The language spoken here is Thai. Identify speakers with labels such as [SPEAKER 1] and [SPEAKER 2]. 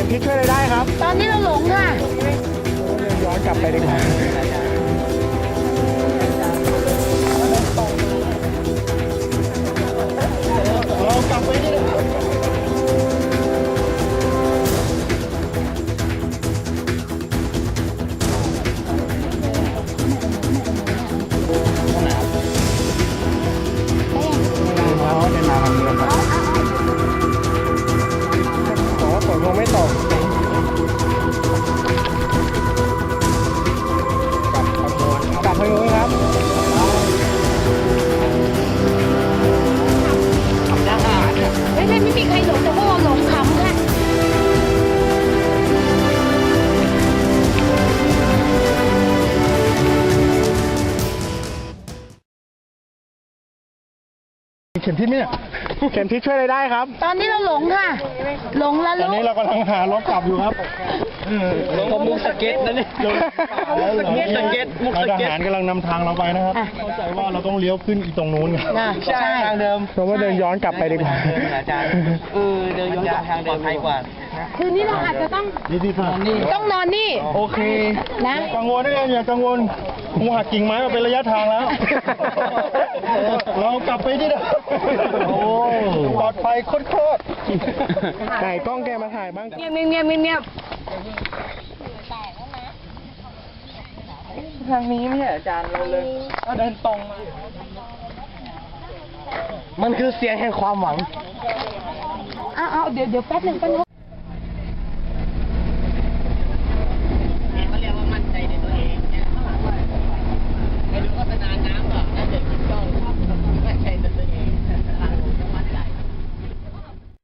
[SPEAKER 1] ทิศช่วยอะไรได้ครับ
[SPEAKER 2] ตอนนี้เราหลงค่ะ
[SPEAKER 1] ย้อนกลับไปดีกว่าเรากลับไปนี่นะฝนคงไม่ตกกลับทางนู้นครับ
[SPEAKER 2] ไม่มีใครหลงแต่พวกเราหลงขำค่ะ
[SPEAKER 1] เข็มทิศเนี่ยเข็มทิศช่วยอะไรได้ครับ
[SPEAKER 2] ตอนนี้เราหลงค่ะ หลงแล้ว
[SPEAKER 1] ตอน
[SPEAKER 2] ลู
[SPEAKER 1] นี้
[SPEAKER 2] ก
[SPEAKER 1] เรากำลังหารถกลับอยู่ครับ
[SPEAKER 3] มุกสเก็ตนะเนี่ยสเก็ตมุกสเก็ต
[SPEAKER 1] ทหารกำลังนำทางเราไปนะครับเข้าใจว่าเราต้องเลี้ยวขึ้นอีกตรงนู้น
[SPEAKER 2] ใช่
[SPEAKER 3] ทางเดิม
[SPEAKER 1] เพราะว่าเดินย้อนกลับไปดีกว่า
[SPEAKER 3] อาจารย์เดินย้อนกลับทางเดิมปลอดภัยกว่า
[SPEAKER 2] คืนนี้เราอาจจะต้อง
[SPEAKER 1] นี่ที่ค่ะ
[SPEAKER 2] ต้องนอนนี่
[SPEAKER 1] โอเค
[SPEAKER 2] นะ
[SPEAKER 1] กังวลได้ไงอย่ากังวลกูหักกิ่งไม้มาเป็นระยะทางแล้ว เรากลับไปที่เดิมปลอดภัยโคตรไหนกล้องแกมาถ่ายบ้าง
[SPEAKER 2] เงียบ
[SPEAKER 3] ทางนี้ไม่ใช่อาจารย์เราเลยเราเดินตรงมามันคือเสียงแห่งความหวัง
[SPEAKER 2] เอาเดี๋ยวแป๊บนึงเขา
[SPEAKER 3] เรียกว่ามั่นใจในตัวเองเนี่ยไปดูโฆษณาน้ำหรอแล้วเด็กจ้อง